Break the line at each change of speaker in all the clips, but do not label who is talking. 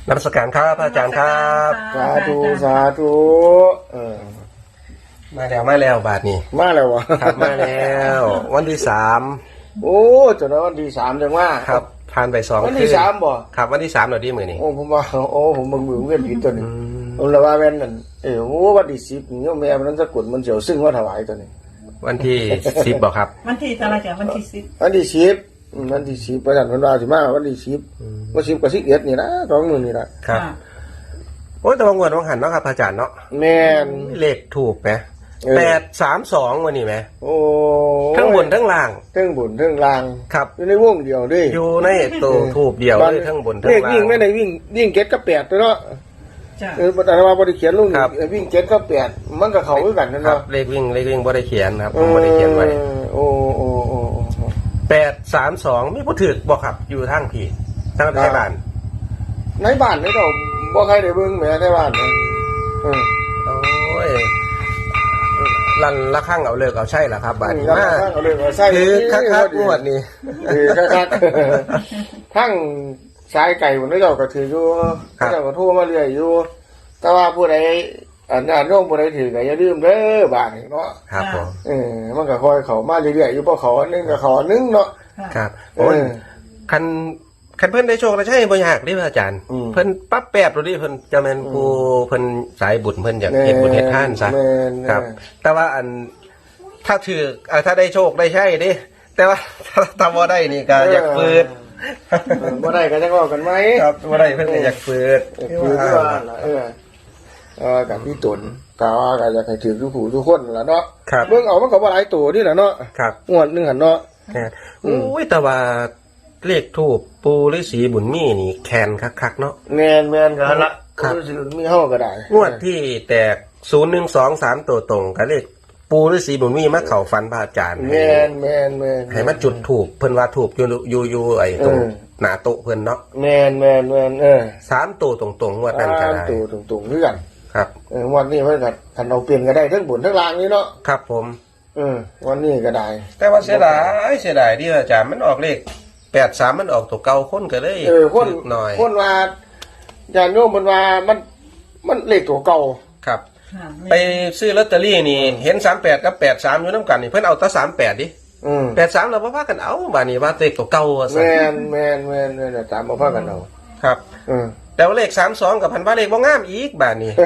นมัสการครับอาจารย์ครับ
สาธุสาธุ
มาแล้วบาทนี้
มาแล้ววะ
ครับมาแล้ววันที่3
โอ้จนวันที่3จังว่า
ครับผ่านไป2
วันที่3บ่
ครับวันที่3หน่อยดิมื้อนี้
โอ้ผมว่าโอ้ผมเบิ่งเวียนผิดตัวนี้ผมละว่าแม่นนั่นโอ้วันที่10นี่โยมแม่มันสะกดมันเสียวซึ่งว่าถวายตัวนี้
วันที่10บ่ครับ
วันที่อะไรจ้ะวันที่10
วันที่10วันที่10ประจันเพิ่นว่าสิมาวันที่10วัน10กับ11นี่นะ2มื้อนี่ล่ะ
ครับโอ้แต่ว่างวดวังหันเนาะครับอาจารย์เนาะ
แม่น
เลขถูกมั้ย832วันนี้มั้ย
โอ้
ทั้งบนทั้งล่าง
ทั้งบนทั้งล่าง
ครับ
อยู่ในวงเดียวเด้
อยู่ในตัวถูกเดียวเลยทั้งบนทั้งล่าง
เลขวิ่งไม่ได้วิ่ง7กับ8ตัวเนาะ
จ้ะ
แต่ว่าบ่ได้เขียนลงวิ่ง7กับ8มันก็เข้าคือกันนั่นเนาะ
เลขวิ่งบ่ได้เขียนครับผมบ่ได้เขียนไว้
โอ้
832มีผู้ถือบ่ครับอยู่ทางพี่ทางในบ้าน
ในบ้านนี่ก็บ่ใครได้เบิ่งแหมในบ้านนี่
โอ้ยลั่นละข้างเอาเลิกเอาใช่ล่ะครับบัดนี้มา
เอาเลิกเอาใช่
คือคักๆงวดนี้
คักๆทั้งสายไก่พุ่นเจ้าก็ถืออยู่เจ้าก็โทรมาเรื่อยอยู่แต่ว่าผู้ใดโยมผู้ใดถือก็อย่าลืมเด้อบ้านนี่เนาะ
ครับผม
มันก็ค่อยเข้ามาเรื่อยๆอยู่บ่เข้านึงก็เข้านึงเนาะ
ครับโอ้ยคันเพิ่นได้โชคได้ใช่บ่ยากเด้อาจารย์เพิ่นปั๊บแป๊บโลดดิเพิ่นจะแม่นผู้เพิ่นสายบุญเพิ่นอยากเฮ็ดบุญเฮ็ดทานซะครับแต่ว่าถ้าถือถ้าได้โชคได้ใช่ดิแต่ว่าถ้าบ่ได้นี่ก็อยากฝืด
บ่ได้ก็จังว่ากันไหม
ครับบ่ได้เพิ่นก็อยากฝืด
ว่ากับพี่ตุนก็อยากให้ถือทุกผู้ทุกคนล่ะเนาะเบิ่งเอามันก็บ่หลายตัวนี่แหละเนาะงวดนึงหั่นเนาะ
อุ้ยแต่ว่าเลขทูปปูฤาษีบุญมีนี่แคนคักๆเนาะ
แม่นกันละฤาษีบุญมีเฮาก็ได้
งวดที่แตก0123ตัวตรงกับเลขปูฤาษีบุญมีมาเข้าฝันพระอาจารย์
แม่น
ให้มาจุดธูปเพิ่นว่าธูปอยู่ไอ้ตรงหน้าโต๊ะเพิ่นเนาะ
แม่น
3ตัวตรงๆงวดนั้นก็ได้
3ตัวตรงๆคือกัน
ครับ
วันนี้เพิ่นก็คันเอาเปลี่ยนก็ได้ทั้งบนทั้งล่างนี่เนาะ
ครับผม
วันนี้ก็ได้
แต่ว่าเสียดายที่อาจารย์มันออกเลข83มันออกตัวเก่าคนก็เลย
คนหน่อยคนว่าญาติโยมมันว่ามันเลขตัวเก่า
ครับไปซื้อลอตเตอรี่นี่เห็น38กับ83อยู่นำกันนี่เพิ่นเอาแต่38ดิ83แล้วบ่พากันเอาบัดนี้ว่าเลขตัวเก่า
ซั่นแม่นตามบ่พากันเอา
ครับแต่ว่าเลข32กับพันว่าเลขบ่งามอีกบัดนี้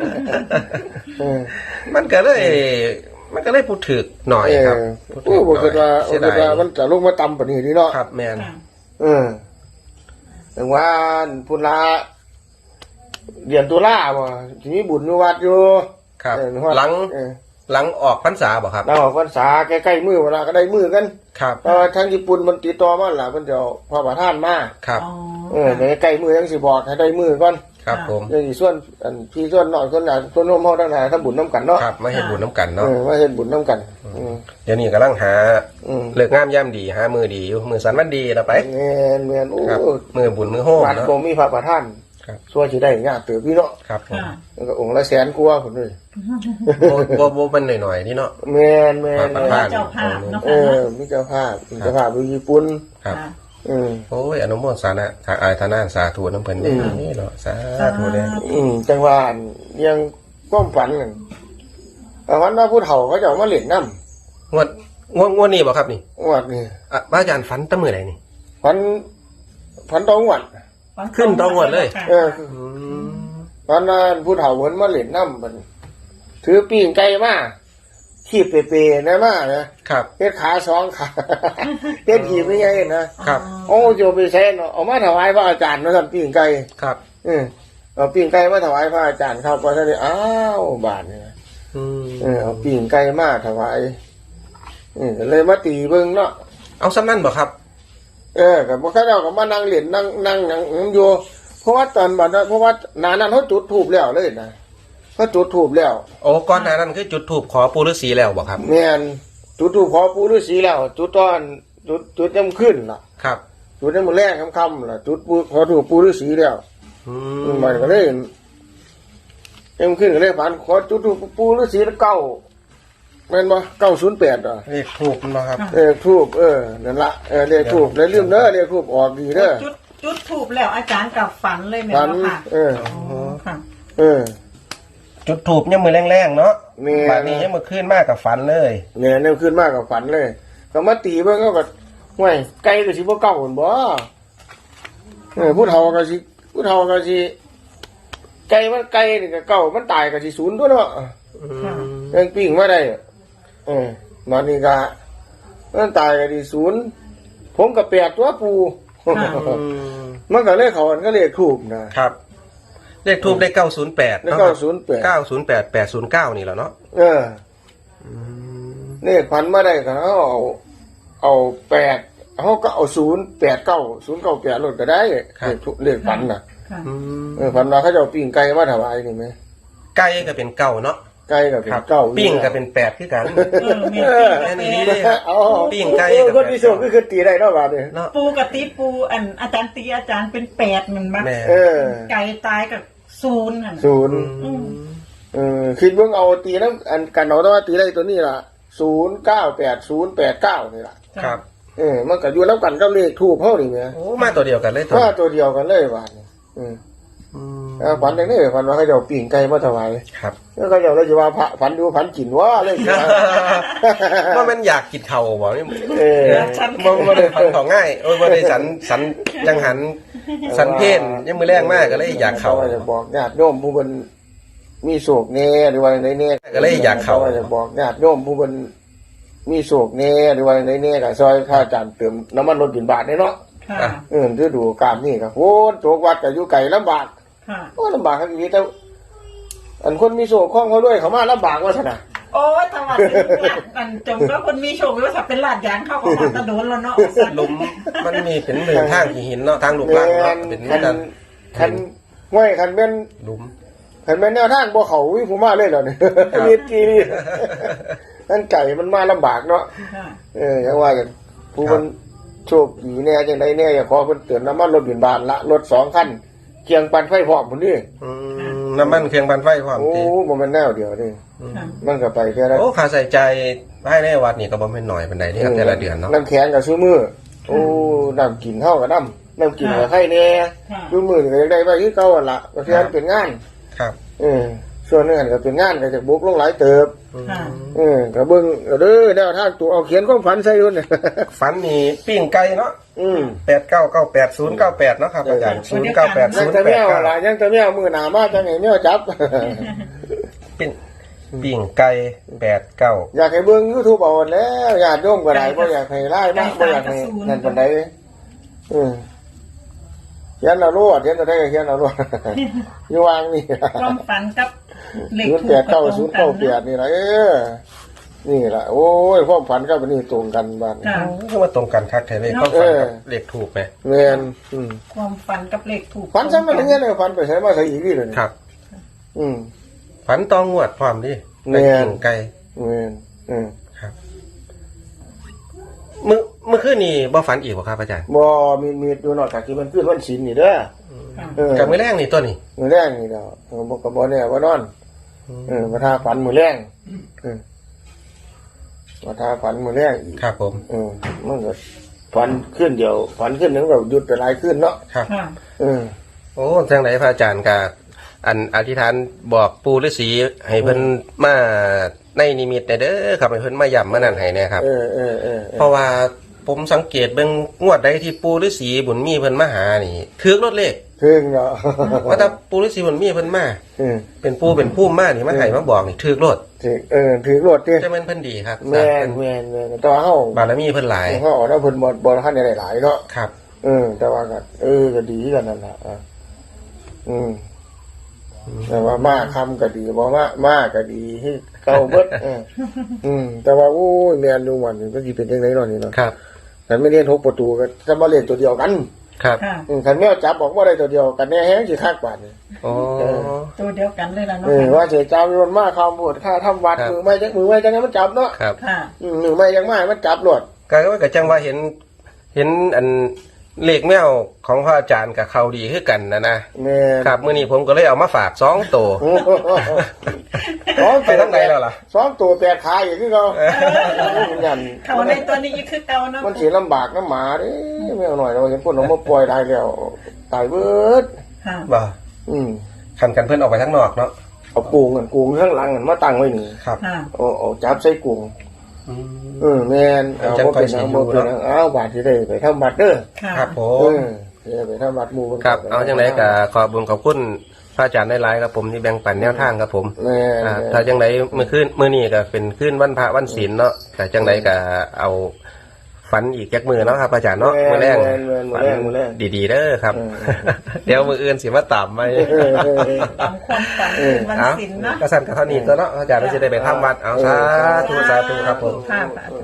มันก็เลยพูดถึกหน่อยครับ
โอ้บ่คิดว่ามันจะลงมาต่ำปานนี้นี่เนาะ
ครับแม่น
ถึงว่าพุ่นละเดือนตุลาบ่สิมีบุญอยู่วัดอยู่
ครับหลังออกพรรษาบ่ครับ
หลังออกพรรษาใกล้ๆมื้อเวลาก็ได้มื้อกัน
ครับ
ทางญี่ปุ่นมันติดต่อมาล่ะเพิ่นจะเอาพระประธานมา
ครับ
ใกล้มื้อจังสิบอกให้ได้มื้อก่อน
ครับผม
อย่างส่วนพี่ส่วนน้อยส่วนหลานส่วนโน้มเฮาทั้งหลายทำบุญนำกันเนาะ
ครับมาเฮ็ดบุญนำกันเนาะ
มาเฮ็ดบุญนำกัน
เดี๋ยวนี้กำลังหาเลิกงามยามดีหามื้อดีอยู่มื้อสันวันดีแล้วไป
แม่นโอ้
มื้อบุญมื้อโฮม
เนาะบ่มีพระประธานส่วนสิได้ยากเติบพี่เนาะ
ครับผม
แล้วก็องค์ละแสนกว่าพุ่นเลย
บ่เป็นหน่อยๆนี่เนาะ
แม่น
เจ้าภาพเนาะ
มีเจ้าภาพอยู่ญี่ปุ่น
ครับโอ้ยอนุโมทนาทนาสาธุน้ำเพิ่นนี่เนาะสาธุเด้
จังว่ายังความฝันนั่นวันว่าผู้เฒ่าเขาจะมาเล่นน้
ำงวดนี้บ่ครับนี่
งวดนี่
พระอาจารย์ฝันตั้งมื้อใดนี่
ฝันตองวด
ขึ้นตองวดเลย
วันนั้นผู้เฒ่าเพิ่นมาเล่นน้ำเพิ่นถือปิ้งไก่มาขีบเปๆนะมานะครับเฮ็ดขา2ขาเฮ็ดหีบไม่ใหญ่นะครับโอ้โยไปแซ่เนาะเอามาถวายพระอาจารย์เนาะซั่นปิ้งไก่
ครับ
เอาปิ้งไก่มาถวายพระอาจารย์ครับพอซั่นได้อ้าวบาดนี่เอาปิ้งไก่มาถวายเลยมาตีเบิ่งเนาะ
เอาซ้ำนั่นบ่ครับ
ก็บ่เขาเจ้าก็มานั่งเล่นนั่งอยู่เพราะว่าตอนบัดนั้นเพราะว่าหน้านั้นเฮาจุดธูปแล้วเลยนะก็จุดธูปแล้ว
โอ้ก่อนหน้านั้นคือจุดธูปขอปู่ฤาษีแล้วบ่ครับ
แม่นจุดธูปขอปู่ฤาษีแล้วจุดตอนจุดยามขึ้นล่ะ
ครับ
จุดยามมื้อแลงค่ำๆล่ะจุดขอธูปปู่ฤาษีแล้วมันก็เลยยามขึ้นก็เลยผ่านขอจุดธูปปู่ฤาษีแล้วแม่นบ่908
เลขธูปมันบ่ครับ
ธูปนั่นล่ะเลขธูปแล้วลืมเด้อเลขธูปออกดีเด้อ
จุดถูกแล้วอาจารย์กับฝันเลยแม่
ฝัน
เนาะค่ะ ค่ะ
จุดถูกเนี่ยมือแรงๆเนาะ
แม่
บาดนี้ยังมือขึ้นมากกับฝันเลย
เนี่ยเนี่ยขึ้นมากกับฝันเลยก็มาตีเบิ่งก็ห่วยไก่ก็สิบ่เก่าหั่นบ่ผู้เฒ่าก็สิไก่มันไก่นี่ก็เก่ามันตายก็สิศูนย์ตัวเนาะ
ค่ะ
ยังปิ้งมาได้มานี่ก็มันตายก็สิศูนย์ผมก็แปดตัวปู มันก็เลขเขาอันก็เลขถูกนะครับ
เลขทูบได้908
แล้ว
เนาะ
ก็
908 809นี่แหละเนาะ
เลขพันมาได้ก็เอาแปดเขาก็เอา089 098ลดก็ได้เลขพันน่ะ
ค่ะ
พันมาเขาจะเอาปิ้งไก่มาถวายนี่ไหม
ไก่ก็เป็นเก้าเนาะ
ไก่ก็เป็นเก้า
ปิ้งก็เป็น8คือกัน
แม่
แค่
ปี
นี้
กับ
เลยครับ ปิ้งไก่กับ
คนที่โชคก็คือตีได้เนาะบาดนี้
เนาะ
ปูกับตีปูอาจารย์ตีอาจารย์เป็น8มันบ้าง
แม่
ไก่ตายกับ0ค่ะ
ศูนย์คิดเบิ่งเอาตีน้ำอันกันเอาแต่ว่าตีได้ตัวนี้ล่ะ098089นี่ล่ะ
ครับ
มันก็อยู่แล้วกันกับเลขทูบเฮานี่แหม
โอ้มาตัวเดียวกันเลย
ถ้าตัวเดียวกันเลยบาดนี้ฝันอย่างนี้ฝันว่าเขาจะเอาปิ้งไก่มาถวาย
ครับ
แล้วก็เดี๋ยวเราจะว่าพระฝันดูฝันกินว่าเลย
ว่ามันอยากกินเข่าบ่นี่
ฉัน
บ่ได้ฝันของง่ายโอ้ยบ่ได้สันจังหันสันเพนยังมือแรงมากก็เลยอยากเข่า
จะบอกญาติโยมผู้เป็นมีโศกแน่หรือว่าในแน่
ก็เลยอยากเข้า
จะบอกญาติโยมผู้เป็นมีโศกแน่หรือว่าในแน่กับซอยข้าจานเติมน้ำมันรถบินบาทเนาะ
ค่ะ
ฤดูกาลนี่ครับโอ้โจกวัดกับอยู่ไก่ลำบาก
ค่ะ
โอ้ลำบากครับอีกแต่อันคนมีโศกข้องเขาด้วยเขามาลำบากว่าสนะ
โอ้ยตะวันมันจงแล้วคนมีโชคแล้วถ้าเป็นลาดยางเข้าก็มาตะโดนแล้วเนาะ
หลุมมันมีเป็นเหมือนทางหินเนาะทางลูกลังเนาะเป็นเหมือนกัน
ห้วยคันเป็น
หลุม
คันเป็นแนวทางบ่เขาวิผมมาเลยเหรอเนี่ยนิดกี่นี่นั่นไก่มันมาลำบากเนาะ
ค่ะ
อย่างว่ากันผู้มันโชคดีแน่จังไดแน่อย่าขอเพิ่นเตือนน้ำมันรถบินบานละรถ2 คันเคียงปันไฟพร้อมพุ่นนี่
น้ำมันเครื่องปั่นไฟพร้อม
โอ้
ติ
บ่แม่นแนวเดียวนี่
ค่ะ
มันก็ไปแค่นั้น
โอ้ค่าใส่ใจให้ในวัดนี่ก็บ่แม่นน้อยปานใดนี่ครับแต่ละเดือนเนาะ
น้ำแข็งกับซื้อมือโอ้น้ำกินเท่ากับน้ำกินกับไข่แน่
ค่ะ
ซื้อมือนี่ก็ยังได้ไปคือเก่าหั่นล่ะเพราะฉะนั้นเป็นงาน
ครับ
ส่วนนึงก็เป็นงานก็จะบุกลงหลายเติบ
ค่ะ
ก็เบิ่งเด้อแนวทางตัวเอาเขียนความฝันใส่ด้วย
ฝันนี่ปิ้งไก่เนาะ8998098เนาะครับอาจารย์
ยังจะแมวอะไรยังจะแมวมือหนามาจังไงแมวจับ
เป็นปิ้งไก่89
อยากให้เบิ่ง YouTube เอาแล้วญาติโยมก็ได้บ่อยากให้ไล่มากบ่อยากให้นั่นปานใดเขียนเอาโลดเขียนเอาได้ก็เขียนเอาโลดอยู่วางนี่
ความฝันกับเลข
ศูนย์แปดเก้าศูนย์เก้าแปดนี่ล่ะนี่ล่ะโอ้ยความฝันกับอันนี้ตรงกันบ้าน
ค่ะ
คือว่าตรงกันคักแท้เลยเขาฝันกับเลขถูกไหม
แม่น
ความฝันกับเลขถูก
ฝันซ้ำมันอย่างเงี้ยเลยฝันไปใช้มาใส่อีกนี่เลย
ครับ
อืม
ฝันตองงวดพร้อมดิ
แม่น
ปิ้งไก่
แม่น
ครับเมื่อคืนนี่บ่ฝันอีกบ่ครับอาจารย์
บ่มีอยู่นอกจากที่มันขึ้นวันศีลนี่เด้อ
กับมื้อแรกนี่ตัวนี้
มื้อแรงนี่ดอกบ่ก็บ่แน่ว่านอนมาทาฝันมื้อแรงมาทาฝันมื้อแรงอีก
ครับผม
มันก็ฝันขึ้นเดียวฝันขึ้นนึงแบบหยุดไปหลายขึ้นเนาะ
ครับ
ค่ะ
โอ้จังไดพระอาจารย์ก็อันอธิษฐานบอกปู่ฤาษีให้เพิ่นมาในนิมิตเด้อครับให้เพิ่นมาย้ำมานั่นให้แน่ครับเพราะว่าผมสังเกตเบิ่งงวดใดที่ปู่ฤาษีบุญมีเพิ่นมาหานี่ถือรถเลข
ถึงเนาะ
ว่าถ้าปู่ฤาษีบุญมีเพิ่นมาเป็นปู่เป็นผู้มานี่มาให้มาบอกนี่ถือรถ
ถึงรถเด้
จะแม่นเพิ่นดีครับ
แม่นแต่ว่าเฮา
บารมีเพิ่นหลาย
เฮาเอาเพิ่นบ่ทันได้หลายเนาะ
ครับ
แต่ว่าก็ก็ดีกันนั่นล่ะแต่ว่ามาคำก็ดีบ่มาก็ดีให้เก่าเบิดแต่ว่าโอ้ยแม่นดูมันก็สิเป็นจังได๋เนาะนี่เนาะ
ครับ
คันไม่เรียน6ประตูก็จะมาเล่นตัวเดียวกัน
ครับ
ค่ะ
คันแมวจับบอกว่าได้ตัวเดียวกันแน่แฮงสิคักบาดนี่
โอ้
ตัวเดียวกันเลยล่ะเนาะ
ว่าเสียเจ้ามีมันมาคำพูดค่าทำวัดมือไม่จังมันจับเนาะ
ครับ
ค่ะ
มือไม่จังมามันจับหลด
ก็ว่าก็จังว่าเห็นอันเลขแมวของพระอาจารย์กับเขาดีคือกันนะ
แม่
ครับมื้อนี้ผมก็เลยเอามาฝาก2ตัว ไปทางไหนแล้วล่ะ
2ตัว8ขาอย่างที่เขายัน
เขาในตัวนี้คือเก่าเนาะ
มันสิลำบากน้ำหมาเด้
ค
แมวหน่อยเราเห็นคนเอามาปล่อยได้แล้วตายเบิด
ค่ะ
บ่
คั
กันเพิ่นออกไปข้างนอกเนาะ
เอาปูงข้างหลังมาตั้งไว้นี่
ครับ
ค่ะ
เอาจับใส่กุ้งแม่นเอาบ่เป็นเอาบ่เป็นเอาบาทที่ได้ไปทำบัตรเด้อ
ค่ะ
ครับผ
เอ
ม
อไปทำบัตรหมู่เพิ่น
ครับเอาจังไดก็ขอบคุญขอบคุณพระอาจารย์หลายๆครับผมที่แบ่งปันแนวทางครับผม
แม่น
ถ้าจังไดมื้อนี้ก็เป็นคืนวันพระวันศีลเนาะแต่จังไดก็เอาฝันอีกจักมือเนาะครับอาจารย์เนาะมื้อแรง
มื้อแรง
ดีๆเด้อครับ เดี๋ยวมื้ออื่นสิมาตามไป
ตามความฝันวัน
เอา
ศิลป์นะ
ก็สั่นกับเท่านี้ตัวเนาะอาจารย์เราจะได้ไปทำวัดเอาสาธุครับผม
ค่ะ